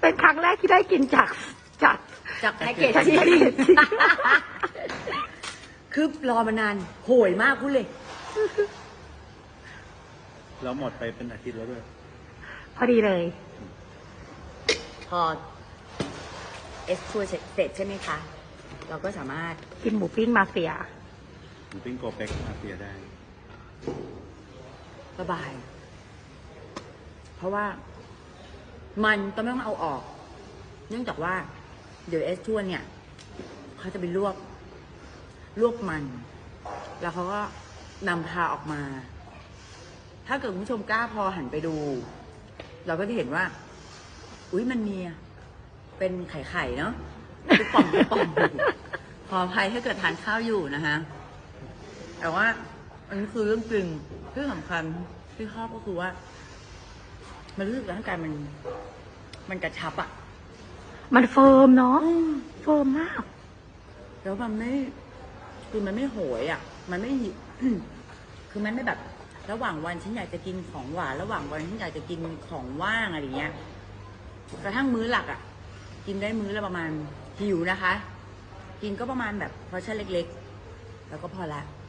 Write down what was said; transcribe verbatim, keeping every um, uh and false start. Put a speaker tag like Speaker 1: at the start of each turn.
Speaker 1: เป็นครั้งแรกที่ได้กินจากจาก
Speaker 2: จากแพ็กเกจ
Speaker 1: จาก
Speaker 2: ที่
Speaker 1: แพ็กเกจ
Speaker 2: คือรอมานานโหยมากพูดเลย
Speaker 3: แล้วหมดไปเป็นอาทิตย์แล้วด้วย
Speaker 1: พอดีเลย
Speaker 2: พอเอสทัวร์เสร็จใช่ไหมคะ เราก็สามารถ
Speaker 1: กินหมูปิ้งมาเฟีย
Speaker 3: หมูปิ้งโกเป็กมาเฟียได้
Speaker 2: สบาย เพราะว่ามันก็ไม่ต้องเอาออก เนื่องจากว่า เดี๋ยวเอสทัวร์เนี่ยเขาจะไปลวก ลวกมัน แล้วเขาก็นำพาออกมา ถ้าเกิดคุณผู้ชมกล้าพอหันไปดู เราก็จะเห็นว่า อุ๊ยมันมีเป็นไข่ไข่เนาะทุกป่องทุกป่องขออภัยถ้าเกิดทานข้าวอยู่นะคะ แต่ว่าอันนี้คือเรื่องจริงที่สำคัญที่ชอบก็คือว่า มันรู้สึกร่างกายมัน มันกระชับอะ
Speaker 1: มันเฟิร์มเนาะเฟิร์มมาก
Speaker 2: แล้วมันไม่ คือมันไม่โหยอะมันไม่ คือมันไม่แบบ ระหว่างวันฉันอยากจะกินของหวานระหว่างวันฉันอยากจะกินของว่างอะไรเงี้ยกระทั่งมื้อหลักอะกินได้มื้อละประมาณหิวนะคะ กินก็ประมาณแบบพอชั่นเล็กๆ แล้วก็พอละ